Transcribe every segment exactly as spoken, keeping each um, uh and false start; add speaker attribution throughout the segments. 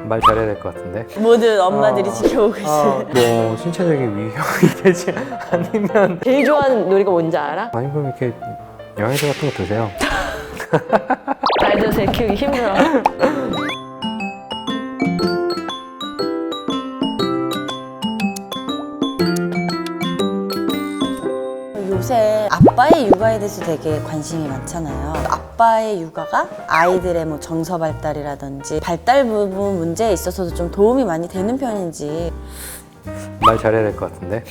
Speaker 1: 말 잘해야 될 것 같은데.
Speaker 2: 모든 엄마들이
Speaker 1: 어,
Speaker 2: 지켜보고 있어요.
Speaker 1: 어, 뭐 신체적인 위협이 되지 않으면.
Speaker 3: 제일 좋아하는 놀이가 뭔지 알아?
Speaker 1: 아니 그럼 이렇게 영양제 같은 거 드세요.
Speaker 3: 아이들 애 키우기 힘들어.
Speaker 2: 요새 아빠의 육아에 대해서 되게 관심이 많잖아요. 아빠의 육아가 아이들의 뭐 정서 발달이라든지 발달 부분 문제에 있어서도 좀 도움이 많이 되는 편인지
Speaker 1: 말 잘해야 될 것 같은데.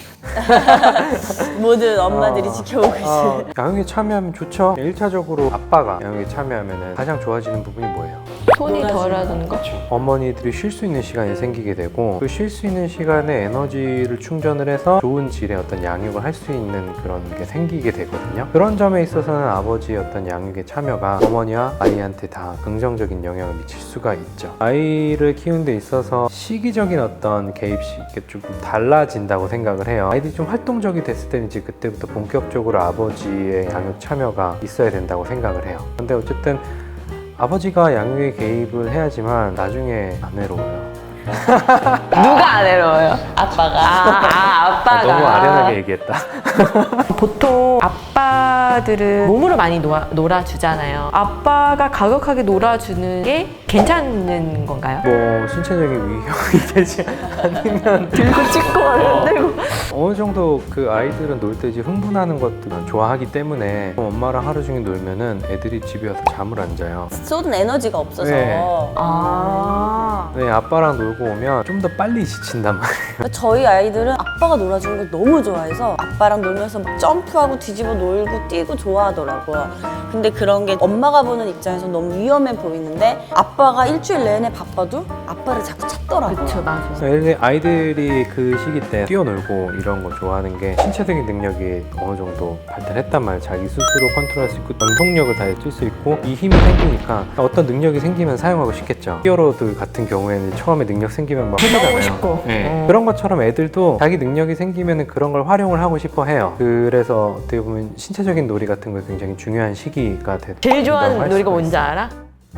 Speaker 2: 모든 엄마들이
Speaker 1: 어,
Speaker 2: 지켜보고 있어요.
Speaker 1: 어, 양육에 참여하면 좋죠. 일 차적으로 아빠가 양육에 참여하면 가장 좋아지는 부분이 뭐예요?
Speaker 3: 손이 덜하는 거?
Speaker 1: 어머니들이 쉴 수 있는 시간이 생기게 되고 그 쉴 수 있는 시간에 에너지를 충전을 해서 좋은 질의 어떤 양육을 할 수 있는 그런 게 생기게 되거든요. 그런 점에 있어서는 아버지의 어떤 양육의 참여가 어머니와 아이한테 다 긍정적인 영향을 미칠 수가 있죠. 아이를 키우는 데 있어서 시기적인 어떤 개입이 조금 달라진다고 생각을 해요. 아이들이 좀 활동적이 됐을 때는 이제 그때부터 본격적으로 아버지의 양육 참여가 있어야 된다고 생각을 해요. 근데 어쨌든 아버지가 양육에 개입을 해야지만 나중에 안 외로워요.
Speaker 3: 누가 안 외로워요? 아빠가. 아, 아 아빠가.
Speaker 1: 아, 너무 아련하게 얘기했다.
Speaker 3: 보통 아빠들은 몸으로 많이 놀아, 놀아주잖아요. 아빠가 가격하게 놀아주는 게 괜찮은 건가요?
Speaker 1: 뭐 신체적인 위협이 되지 않으면
Speaker 3: 들고 찍고 하는데
Speaker 1: 어느 정도 그 아이들은 놀 때 이제 흥분하는 것도 좋아하기 때문에 엄마랑 하루 종일 놀면은 애들이 집에 와서 잠을 안 자요.
Speaker 2: 쏟은 에너지가 없어서
Speaker 1: 네.
Speaker 3: 아
Speaker 1: 네, 아빠랑 놀고 오면 좀 더 빨리 지친단 말이에요.
Speaker 2: 저희 아이들은 아빠가 놀아주는 걸 너무 좋아해서 아빠랑 놀면서 막 점프하고 뒤집어 놀고 뛰고 좋아하더라고요. 근데 그런 게 엄마가 보는 입장에서 너무 위험해 보이는데 아빠가 일주일 내내 바빠도 아빠를 자꾸 찾더라고요.
Speaker 3: 그쵸 맞아.
Speaker 1: 애들- 아이들이 그 시기 때 뛰어놀고 이런 거 좋아하는 게 신체적인 능력이 어느 정도 발달했단 말이에요. 자기 스스로 컨트롤할 수 있고 전속력을 다해 쓸 수 있고 이 힘이 생기니까 어떤 능력이 생기면 사용하고 싶겠죠. 히어로들 같은 경우에는 처음에 능력 생기면 막 하잖아요.
Speaker 3: 싶고.
Speaker 1: 네.
Speaker 3: 어.
Speaker 1: 그런 것처럼 애들도 자기 능력이 생기면 그런 걸 활용을 하고 싶어 해요. 그래서 어떻게 보면 신체적인 놀이 같은 거 굉장히 중요한 시기가 되,
Speaker 3: 제일 좋아하는
Speaker 1: 된다고 할
Speaker 3: 놀이가
Speaker 1: 수가
Speaker 3: 뭔지
Speaker 1: 있어요.
Speaker 3: 알아?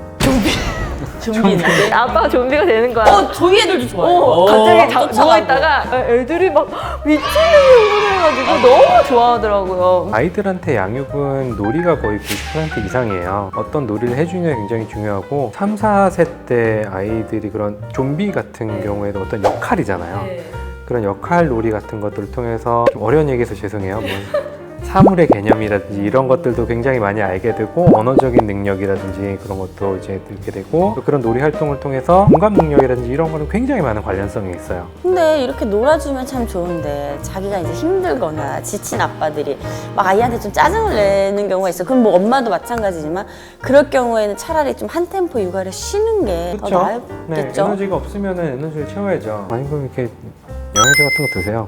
Speaker 2: 좀비인데?
Speaker 3: 아빠가 좀비가 되는 거야.
Speaker 2: 어, 저희 애들도 좋아해요.
Speaker 3: 어, 갑자기 자,
Speaker 2: 쫓아가고.
Speaker 3: 누워있다가 애들이 막 미치는 해가지고 너무 좋아하더라고요.
Speaker 1: 아이들한테 양육은 놀이가 거의 구십 퍼센트 이상이에요. 어떤 놀이를 해주느냐 굉장히 중요하고 삼, 사 세 때 아이들이 그런 좀비 같은 경우에도 어떤 역할이잖아요. 그런 역할 놀이 같은 것들을 통해서 좀 어려운 얘기해서 죄송해요. 뭐 사물의 개념이라든지 이런 것들도 굉장히 많이 알게 되고 언어적인 능력이라든지 그런 것도 이제 들게 되고 또 그런 놀이 활동을 통해서 공감 능력이라든지 이런 거는 굉장히 많은 관련성이 있어요.
Speaker 2: 근데 이렇게 놀아주면 참 좋은데 자기가 이제 힘들거나 지친 아빠들이 막 아이한테 좀 짜증을 내는 경우가 있어. 그럼 뭐 엄마도 마찬가지지만 그럴 경우에는 차라리 좀 한 템포 육아를 쉬는 게 더
Speaker 1: 그렇죠? 네,
Speaker 2: 나았겠죠?
Speaker 1: 에너지가 없으면 에너지를 채워야죠. 아니 그럼 이렇게 영양제 같은 거 드세요.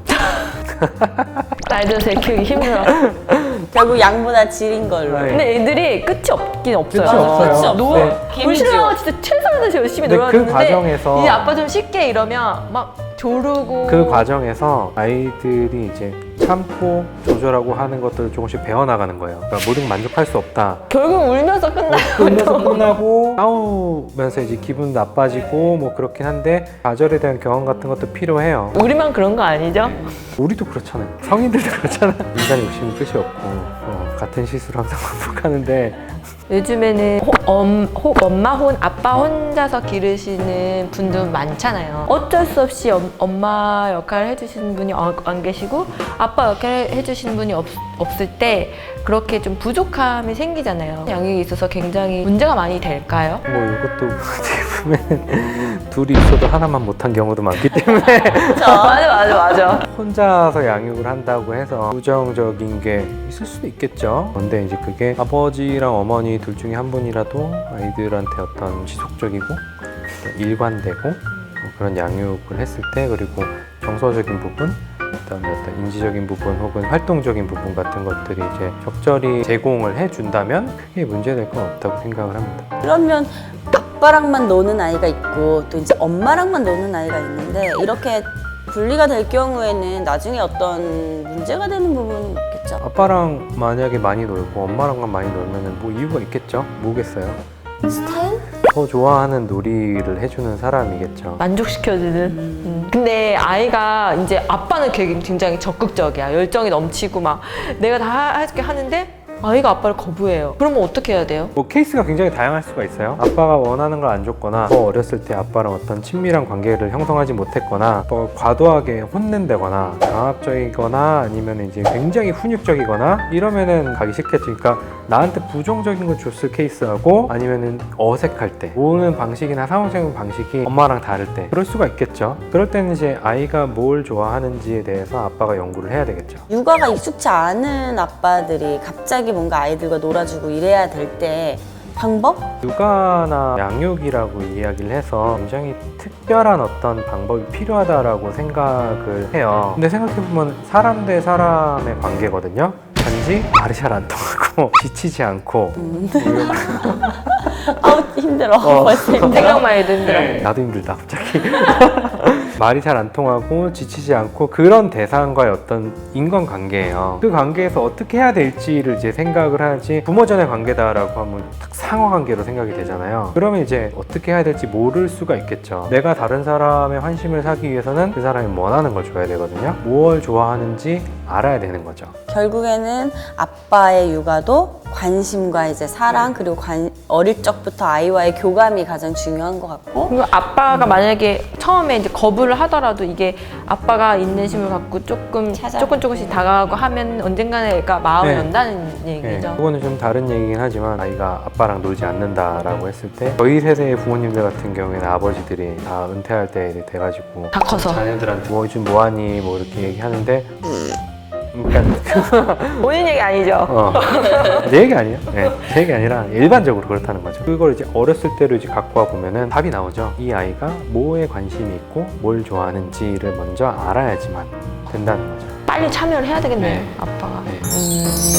Speaker 3: 아이들 애 키우기 힘들어.
Speaker 2: 결국 양보다 질인 걸로.
Speaker 1: 네.
Speaker 3: 근데 애들이 끝이 없긴 없어요.
Speaker 1: 끝이 없어요.
Speaker 2: 끝이 없어.
Speaker 3: 노,
Speaker 1: 네.
Speaker 3: 불신하고 진짜 최선을 다해서 열심히
Speaker 1: 근데 그
Speaker 3: 놀아주는데
Speaker 1: 과정에서
Speaker 3: 이제 아빠 좀 쉽게 이러면 막 조르고
Speaker 1: 그 과정에서 아이들이 이제 참고 조절하고 하는 것들을 조금씩 배워나가는 거예요. 그러니까 모든 걸 만족할 수 없다.
Speaker 3: 결국 울면서 끝나고
Speaker 1: 울면서 끝나고 싸우면서 이제 기분 나빠지고 뭐 그렇긴 한데 좌절에 대한 경험 같은 것도 필요해요.
Speaker 3: 우리만 그런 거 아니죠?
Speaker 1: 우리도 그렇잖아요. 성인들도 그렇잖아요. 인간 욕심은 끝이 없고 어, 같은 실수를 항상 반복하는데
Speaker 3: 요즘에는 호, 엄, 호, 엄마 혼 아빠 혼자서 기르시는 분도 많잖아요. 어쩔 수 없이 엄, 엄마 역할을 해주시는 분이 어, 안 계시고 아빠 역할을 해주시는 분이 없, 없을 때 그렇게 좀 부족함이 생기잖아요. 양육에 있어서 굉장히 문제가 많이 될까요?
Speaker 1: 뭐 이것도 어떻게 보면 둘이 있어도 하나만 못한 경우도 많기 때문에
Speaker 3: 맞아 맞아 맞아.
Speaker 1: 혼자서 양육을 한다고 해서 부정적인 게 있을 수도 있겠죠. 근데 이제 그게 아버지랑 어머니 둘 중에 한 분이라도 아이들한테 어떤 지속적이고 어떤 일관되고 그런 양육을 했을 때 그리고 정서적인 부분 그다음에 어떤 인지적인 부분 혹은 활동적인 부분 같은 것들이 이제 적절히 제공을 해준다면 크게 문제될 건 없다고 생각을 합니다.
Speaker 2: 그러면 아빠랑만 노는 아이가 있고 또 이제 엄마랑만 노는 아이가 있는데 이렇게 분리가 될 경우에는 나중에 어떤 문제가 되는 부분은 없겠죠?
Speaker 1: 아빠랑 만약에 많이 놀고 엄마랑만 많이 놀면은 뭐 이유가 있겠죠? 뭐겠어요?
Speaker 2: 스타일?
Speaker 1: 더 좋아하는 놀이를 해주는 사람이겠죠.
Speaker 3: 만족시켜주는. 음. 근데 아이가 이제 아빠는 되게 굉장히 적극적이야. 열정이 넘치고 막 내가 다 할게 하는데 아이가 아빠를 거부해요. 그러면 어떻게 해야 돼요?
Speaker 1: 뭐 케이스가 굉장히 다양할 수가 있어요. 아빠가 원하는 걸 안 줬거나 더 어렸을 때 아빠랑 어떤 친밀한 관계를 형성하지 못했거나 또 과도하게 혼낸다거나 강압적이거나 아니면 이제 굉장히 훈육적이거나 이러면은 가기 싫겠지. 그러니까 나한테 부정적인 걸 줬을 케이스하고 아니면은 어색할 때 모으는 방식이나 상호작용 방식이 엄마랑 다를 때 그럴 수가 있겠죠. 그럴 때는 이제 아이가 뭘 좋아하는지에 대해서 아빠가 연구를 해야 되겠죠.
Speaker 2: 육아가 익숙치 않은 아빠들이 갑자기 뭔가 아이들과 놀아주고 이래야 될 때 방법?
Speaker 1: 육아나 양육이라고 이야기를 해서 굉장히 특별한 어떤 방법이 필요하다라고 생각을 해요. 근데 생각해보면 사람 대 사람의 관계거든요. 단지 말이 잘 안 통하고 지치지 않고
Speaker 2: 음. 아우 힘들어.
Speaker 1: 어.
Speaker 2: 벌써 힘들어.
Speaker 3: 생각만 해도 힘들어.
Speaker 1: 나도 힘들다 갑자기. 말이 잘 안 통하고 지치지 않고 그런 대상과의 어떤 인간관계예요. 그 관계에서 어떻게 해야 될지를 이제 생각을 하지 부모전의 관계다라고 하면 딱 상호관계로 생각이 되잖아요. 그러면 이제 어떻게 해야 될지 모를 수가 있겠죠. 내가 다른 사람의 환심을 사기 위해서는 그 사람이 원하는 걸 줘야 되거든요. 뭘 좋아하는지 알아야 되는 거죠.
Speaker 2: 결국에는 아빠의 육아도 관심과 이제 사랑 그리고 관, 어릴 적부터 아이와의 교감이 가장 중요한 것 같고
Speaker 3: 그리고 아빠가 만약에 처음에 이제 거부를 하더라도 이게 아빠가 인내심을 갖고 조금
Speaker 2: 찾아.
Speaker 3: 조금 조금씩 다가가고 하면 언젠가는 애가 마음을
Speaker 1: 네.
Speaker 3: 연다는
Speaker 1: 네,
Speaker 3: 얘기죠.
Speaker 1: 그거는 좀 다른 얘기긴 하지만 아이가 아빠랑 놀지 않는다라고 했을 때 저희 세대의 부모님들 같은 경우에는 아버지들이 다 은퇴할 때 돼가지고
Speaker 3: 다 커서
Speaker 1: 자녀들한테 뭐 요즘 뭐하니 뭐 이렇게 얘기하는데 그러니까
Speaker 3: 본인 얘기 아니죠?
Speaker 1: 어, 내 얘기 아니에요. 네, 제 얘기 아니라 일반적으로 그렇다는 거죠. 그걸 이제 어렸을 때로 이제 갖고 와 보면은 답이 나오죠. 이 아이가 뭐에 관심이 있고 뭘 좋아하는지를 먼저 알아야지만 된다는 거죠.
Speaker 3: 빨리 참여를 해야 되겠네요,
Speaker 1: 네.
Speaker 3: 아빠가.
Speaker 1: 네.
Speaker 3: 음.